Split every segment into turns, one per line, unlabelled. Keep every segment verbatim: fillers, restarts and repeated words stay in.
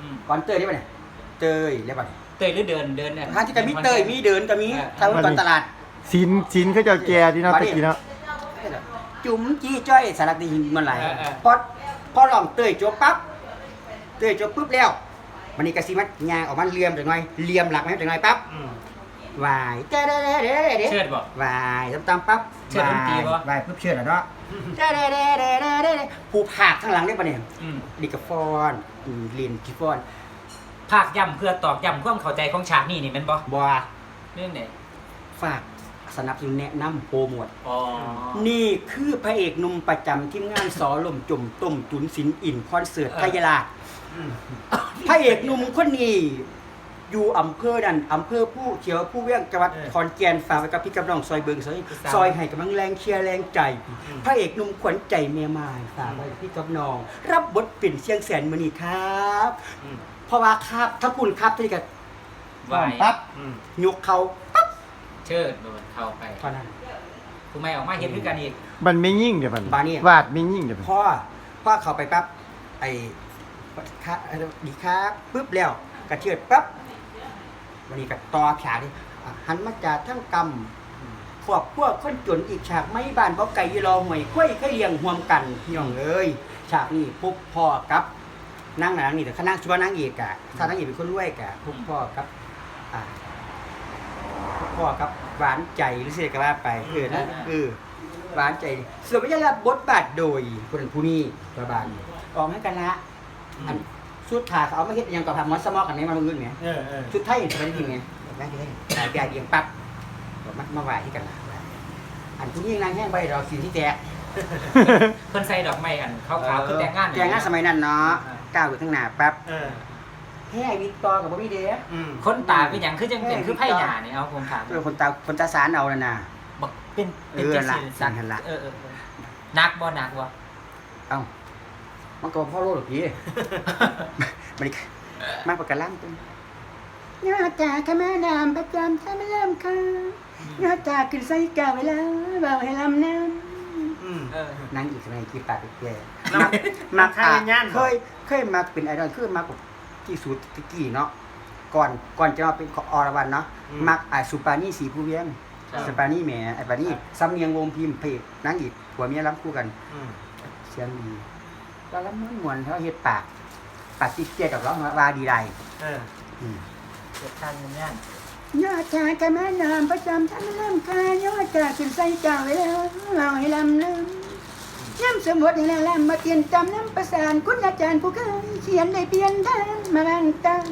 ก่อนเตยได้ป่ะเนี่ยเตยได้ป่ะ
เตยหรือเดินเดินเนี่ย
ทางที่ก็มีเตยมีเดินก็มีทางก่อนตลาด
สินสินเขาเจ้าแก่ที่เนาะตะกี้เนาะ
จุ๋มจี้จ้อยสารดีมันไหลพอพอลองเตยจบปั๊บเตยจบปุ๊บแล้วมันนี่กระซิมัดยางออกมาเลียมจังหน่อยเลียมหลักไหมจังหน่อยปั๊บวายเด้เด้เด้เด้เด้
เชิดบ่
วายตำตำปั๊บ
เชิดดนตรีบ่
วายปุ๊บเชิดแล้วเนาะเด้เด้เด้เด้เด้เด้ผู้ผากข้างหลังได้ปะเนี่ยดิกาฟอนลินกิฟอน
ภาคย่ำเพื่อตอกย่ำความเข้าใจของฉากนี่นี่แม่นบ่
บัว
เรื่องไหน
ฝากสนับสนุนแนะนำโปรโมท
อ๋อ
นี่คือพระเอกหนุ่มประจำทีมงานสอลมจุ่มต้มจุนศิลป์อินคอนเสิร์ตพยาลาพระเอกหนุ่มคนนี้อยู่อำเภอนั่นอำเภอผู้เขียวผู้เวียงจังหวัดขอนแก่นฝากไว้กับพี่กับน้องซอยเบิงซอยซอยให้กำลังแรงเชียร์แรงใจพระเอกหนุ่มขวัญใจเมียมายฝากไว้พี่กับน้องรับบทเป็นเชียงแสนมณีครับเพราะว่าครับถ้าคุณครับที่กับ
วาย
ปั๊บยกเขาปั๊บ
เชิดโดนเข้าไป
เท่านั้น
ผู้ไม่ออกมาเห็นด้วยกันอีก
มันไม่ยิ่งเดี๋ยวมัน
บานี่
วาดไม่ยิ่งเดี๋ยวมัน
พ่อพ่อเขาไปปั๊บไอ้ค่าดีครับปุ๊บแล้วกระเชือดปั๊บวันนี้ก็ต่อฉากนี่หันมาจากทั้งกำพวกพวกคนจนอีกฉากไม่บ้านบ่ไก่ยีรอหวยกล้วยเคยเลี้ยงห่วมกันพี่น้องเอ้ยฉากนี้ปุ๊บพ่อกับนั่งหนังนี่แต่ข้านั่งชัวนั่งเอกอะถ้านั่งเอกเป็นคนรวยกะปุ๊บพ่อกับอ่าพ่อกับหวานใจหรือเสียก็ว่าไปเออนะเออหวานใจส่วนวิทยาบทบาทโดยคนผู้นี้ประบาลออกให้กันละอันชุดขาเขาเอามาเฮ็ดยังกับทำมอสมอกันไหนมาลงเงินไงชุดไทยเห็นเป็นยังไงได้ได้สายแปรเดียงปั๊บมามาไหวที่กันละอันผู้นี้นางแห้งใบเราสีที่แจก
เพิ่นใส่ดอกไม้อันขาวๆคือแต่งงาน
แต่งงานสมัยนั้นเนาะก้าวอยู่ข้างหน้าปั๊บเฮ้ยวิกตอกับบ่มีเด้อ
คนตาเป็นหยังคือจังเป็นคือไผ่หญ้านี่เอาผมถาม
เออคนตาคนตาสารเอานั่นน่ะ
บักเป็นเป็น
เออ
จัง
ละ
ซี่
สั่นหั่นล่ะ
เออๆๆหนักบ่หนักบ่
เอ้ามันก็พ่อโลดหรอกพี่ มันนี่มากกว่ากระล่างตึงยอดจากขมาดามประจำถ้าไม่เริ่มค่ะยอดจากขึ้นใส่กาไว้แล้วเบาให้ลำน้ำ
เออ
นั่งอีกสมัยกี่ปากอีกแย่มักมักอ่ะเคยเคยมักเป็นไอดอลคือมักที่สุดตะกี้เนาะก่อนก่อนจะมาเป็นอรวรรณเนาะมักไอสุปานี่สีผู้เวียงสุปานี่แหมไอปานี่ซ้ำเนียงวงพิมพ์เพจนั่งอีกผัวเมียรับคู่กันเสียงดีแล้วล้ำมวนเขาเฮ็ดปากปากติดเจี๊ยกับร้องว่าดีไร
เออเกิดทางงาน
ยอดจากขมานามประจำท่านเริ่มคายอดจากขึ้นใส่กาไว้แล้วเราให้ลำน้ำน้ำสมุดให้แล้วลำมาเตียนจำน้ำประสานคุณอาจารย์ผู้เคยเขียนได้เปลี่ยนทางมาบางตัง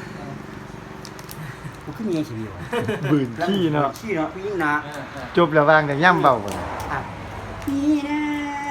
กูขึ้นยังชีวิตวะ
บืนขี้เนาะ
ขี้เนาะพี่ยิ่งนะ
จบแล้ววางแต่ย่ำเบาบ่
พี่นะ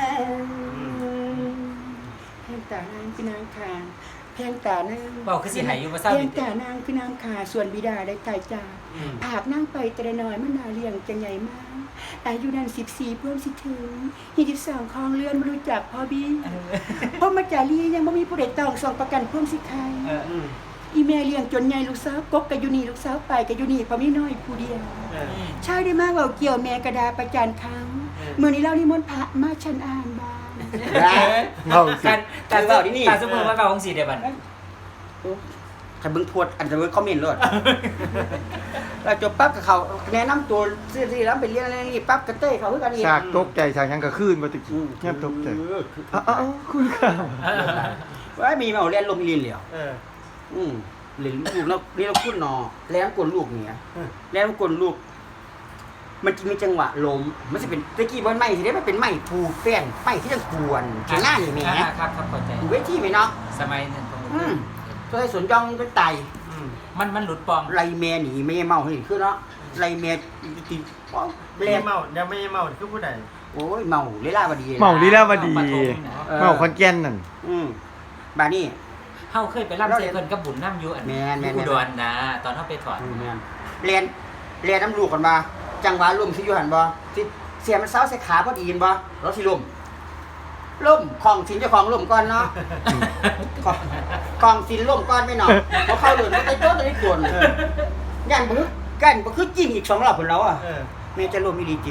แพงตานางคือนางคาแพงตานาง
เบาคือสิหายอยู่บ่เศร้า
แพ
ดิ
งตานางคือนางคาส่วนบิดาได้ตายจากผากนั่งไปแต่น้อยมันนาเลี้ยงจังใหญ่มากอายุนั้นสิบสี่เพิ่มสิถึงยี่สิบสองคลองเรือนไม่รู้จักพ่อบี้เพราะมาจารียังไม่มีผู้ใดตองส่งประกันเพิ่มสิใครอีเมลเลี้ยงจนใหญ่ลูกสาวกกกับยูนีลูกสาวไปกับยูนีพอมีน้อยผู้เดียวใช่ได้มากเบาเกี่ยวแม่กระดาประจานเขาเมื่อนี้เรานิมนต์พระมาฉันอ่านบ้าง
เบาสิ
การการเบาที่นี่การสมมุติว่าเบาของสีเดียวบัด
ใครเบิ่งโพสอันจะเบิ่งคอมเมนต์เลยเราจบปั๊บกับเขาแนะนำตัวซื่อๆแล้วไปเรียนอะไรนี่ปั๊บกระเต้เขาเพื่อกันอีก
ฉากตกใจฉากหยังก็ขึ้นบ่ตะกี้ย่ำตกใจเอ้าๆคุณครับ
ว่ามีมาเรียนลมเรียนเหลียวอืมเรียนลูกแล้วเรียนแล้วพูดนอแล้วกลลูกเนี่ยแล้วกลลูก มันจะมีจังหวะล้มมันจะเป็นตะกี้บนไม้สิได้มันเป็นไม้ผูแป้นไม้ที่จะกวนข้างหน้านี่แหม
ครับครับเข้าใจ
เวทีไหมเนาะ
สมัยนั้นตรง
อืมตัวไอ้สวนยองเป็นไต
มันมันหลุดปลอม
ไรแม่หนีไม่เมาให้คือเนาะไรแม่ตีป้อง
ไม่ได้เมายังไม่ได้เมาคือผู้ใด
โอ้ยเมาเลล่าบดี
เมาลีลาวดี
ปฐมนะ
เมาคอนแก่นนั่น
อืมบานี่
เฮาเคยไปร่ำเซเพิ่นกับบุญน้ำอยู่อัน
แม่นแม่น
อุดรนะตอนเฮาไปถอด
อืมแม่นเรียนเรียนน้ำลูกกันมาจังหวะลมสิอยู่หันบ่สิเสียมันเซาใส่ขาพอดีนบ่แล้วสิลมล่มของสินเจ้าของล่มก่อนเนาะของของสินล่มก่อนไม่เนาะเพราะเข้าเดินมันไปโต๊ะตัวนี้กวนย่านบ่คือกันบ่คือจริงอีกสองรอบพุ่นแล้วอ่ะ
เออ
แม่จะล่มอีหลีจิ
อืม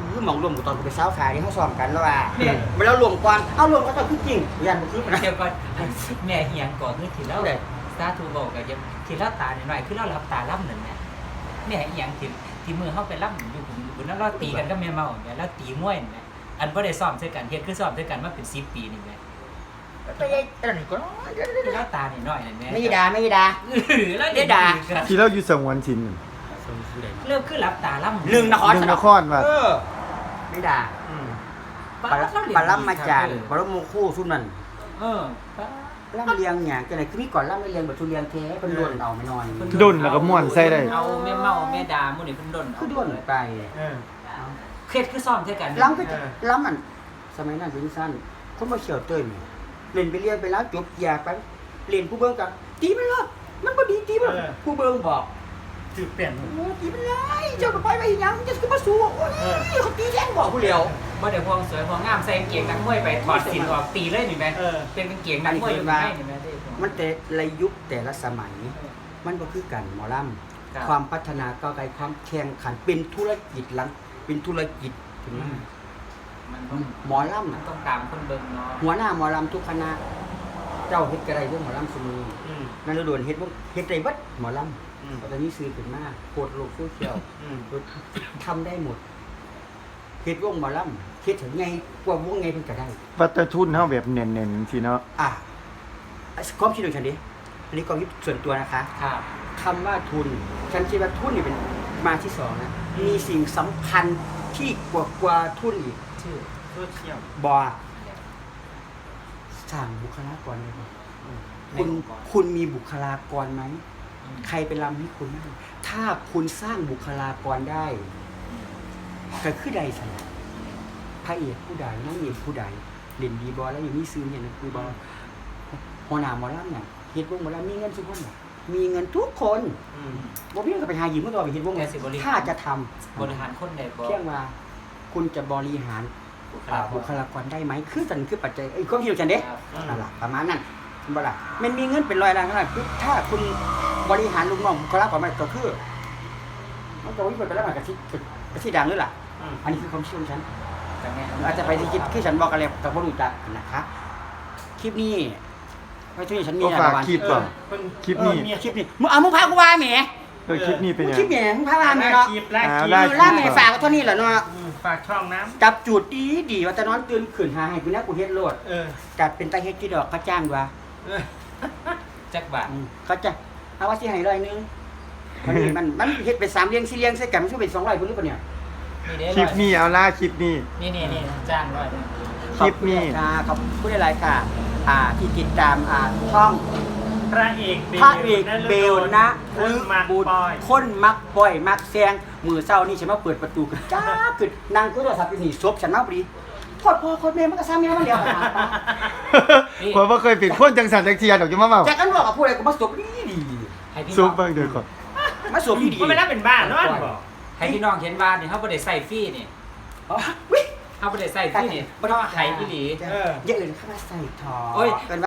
คือหมองรวมกับตอนกูไปเช้าขายนี่เขาซ้อมกันแล้วว่ามาแล้วรวมก่อนเอารวมก็ต้องคือจริงยันบ่คือปานนั้น
เดี๋ยวก่อนแม่เฮียงก่อนคือที่แล้ว
ได้
สาธุบอกกับยังที่แล้วตาหน่อยๆคือเรารับตาล่ำนั่นแหละแม่เฮียงที่ที่มือเฮาไปล่ำอยู่บนนั้นเราตีกันกับแม่เมาเนี่ยแล้วตีมวยนี่อันบ่ได้ซ้อมด้วยกันเฮ็ดคือซ้อมด้วยกันมาเป็นสิบปีนี่แหละ
ไม่ได้อันนี้ก็
ที่แล้วตาหน่อยๆนั่นแหละ
ไม่ด่าไม่ด่า
แล้วเดี๋ยวด่า
ที่เราอยู่สังวนชิน
เริ่มคือรับตาล่ำ
หนึ่งนคร
หนึ่งนครว่า
เออไม่ด่า
อืม
ปลาปลาล่ำมาจานปลาล่ำโมคู่ซุ่มนั่น
เออ
ล่ำเลียงหยังจังได๋คือมีก่อนล่ำไม่เลียงแบบทุเรียงแท้เพิ่นโดนเอาไม่น้อย
ดุนแล้วก็ม่วนใส่ได้
เอาแม่เมาแม่ดาหมู่นี่เพิ่นดน
คือโดนไป
เออ
เคล็ดคือซ้อมด้วยกัน
ล้ำก็จะล้ำมันสมัยนั้นเป็นสั้นคนมาเฉียวเต้ยแม่เล่นไปเรียนไปแล้วจบอยากไปเล่นผู้เบิ่งกับตีมันเลยมันบ่ดีตีมันผู้เบิ่งบอก
ถือเปลี่ยน
โอ้ตีมันเลยเจ้าก็ไปไปอีหยังจะคือมาสู้โอ้ยเขาตีแรงบอกผู้เดียว
บ่ได้พวงสวยพวงงามใส่กางเกงนักมวยไปถอดสินออกตีเลยนี่แม่
เออ
เป็นกางเกงนักมวยอยู่ไหนนี่แม่ได้
มันแต่ละยุคแต่ละสมัย มันก็คือกันหมอล
ครับ
ำความพัฒนาก้าวไกลความแข่งขันเป็นธุรกิจหลังเป็นธุรกิจถึงมา
มันต้อง
หมอลำ
มัน
น่ะ
ต้องตามคนเบิ่งเนาะ
หัวหน้าหมอลำทุกคณะเจ้าเฮ็ดกระไรเรื่องหมอลำเสมอ
อืม
นั่นเราโดนเฮ็ดบ่เฮ็ดได้เบัดหมอล
อืม
ำตอนนี้ซื้อขึ้นมาโคตรโลกโซเชียล
อืม
ทำได้หมดเฮ็ดวงหมอลำเฮ็ดถึงไงกว่าวงไงเพิ่นก็ได้
วัตถุนเฮาแบบเน้นๆสิเนาะ
อ่ะความคิดของฉันดิอันนี้ความคิดส่วนตัวนะคะ
ครับ
คำว่าทุน ฉันคิดว่าทุนนี่เป็นมาที่สองนะ มีสิ่งสำคัญที่กว่ากว่าทุนอีก
ชื่อ
โซเชียล
บอสร้างบุคลากรเลยบ่คุณคุณมีบุคลากรไหม ใครเป็นลำให้คุณได้ถ้าคุณสร้างบุคลากรได้ก็คือใดสิพระเอกผู้ใดนางเอกผู้ใดเด่นดีบอแล้วอย่างนี้ซื้อเนี่ยนะคือบอหัวหน้าหมอลำเนี่ยเฮ็ดวงหมอลำมีเงินทุกคนน่ะมีเงินทุกคน
อืม
บ่มีเงินก็ไปหาหยิบมาตัวไปเฮ็ดวงเลยถ้าจะทำ
บริหารคนได้บ่
เพียงว่าคุณจะบริหารอ่าบุคลากรได้ไหมคือสันคือปัจจัยไอ้ยความคิดของฉันเด้
ครับ
นั่นล่ะประมาณนั้นเห็นบ่ล่ะมันมีเงินเป็นร้อยล้านขนาดคือถ้าคุณบริหารลูกน้องบุคลากรไม่ก็คือมันจะวิ่งไปแล้วมันก็สิก็สิดังเลยล่ะ
อืม
อันนี้คือความเชื่อของฉัน
แต่แม่
อาจจะไปที่คิดคือฉันบอกกันแล้วแต่บ่รู้จักนะคะคลิปนี้ไม่ใช่ฉันมี
ก็
อะ
ฝาก
ไร
คลิป
เอ
ก่อ
อน เพิ่น
คลิปนี้
เออเมีย
คลิปนี้มึงเอามึงพากูว่าแหม
เออคลิปนี้เป็น
มึง
ยัง
คลิปแหมมึงพาว่าแหมเนาะ
คลิปแรก
อ่า
คลิป
ได้
เออล่าแหมฝากไว้เท่านี้แหละเนาะ
อืมฝากช่องน้
จับจูดดีดีว่าแต่นอนตื่นขึ้นหาให้กูนะกูเฮ็ดโลด
ำเออ
จัดเป็นตาเฮ็ดที่ดอกเขาจ้างว่า
เออ
จักบาท
อืมเขาจะเอาว่าสิให้ร้อยหนึงมันนี่มันมันเฮ็ดเป็นสามเลี้ยงสี่เลี้ยงใส่กันมันสิเป็นสองร้อยพุ่นหรือเปล่าเนี่ย
นี่เด้
คลิปนี้เอาล่าคลิปนี้
นี่นี่นี่จ้างร้อย
คลิปนี้
ขอบคุณค่ะขอบคุณหลายๆค่ะ อ่าที่ติดตามอ่าช่อง
พระเอกเบล
พระเอกเบลนะ
คนมัก
บุญ
ปอย
คนมักปล่อยมักแซงมือเศร้านี่ฉันมาเปิดประตูกันจ้าขึ้นนั่งคุยโทรศัพท์อยู่นี่ซบฉันมาพอดีโคตรพ่อโคตรแม่มันก็ซ้ำแม่มันเดียวกัน
ผมบ่เคยเป็นคนจังสันจักเทียดอกจะมาเว้า
จากกันบอกกับผู้ใดก็มาสบดีดี
ให้พี่
ซุ
น้
ป
อง
เบิ่งเด้อก่อน
มาสบดีดี
มันไม่น่าเป็นบ้านเนอะบอก
ให้พี่น้องเห็นว่านี่เฮาบ่ได้ใส่ฟรีนี่
อ๋อวิ
เฮาบ่ได้ใส่ฟรีนี่เพราะว่าไห้อีหลี
เออ
อย่าเอื่นเข้ามาใส่ทอ
โอ้ย
เป็น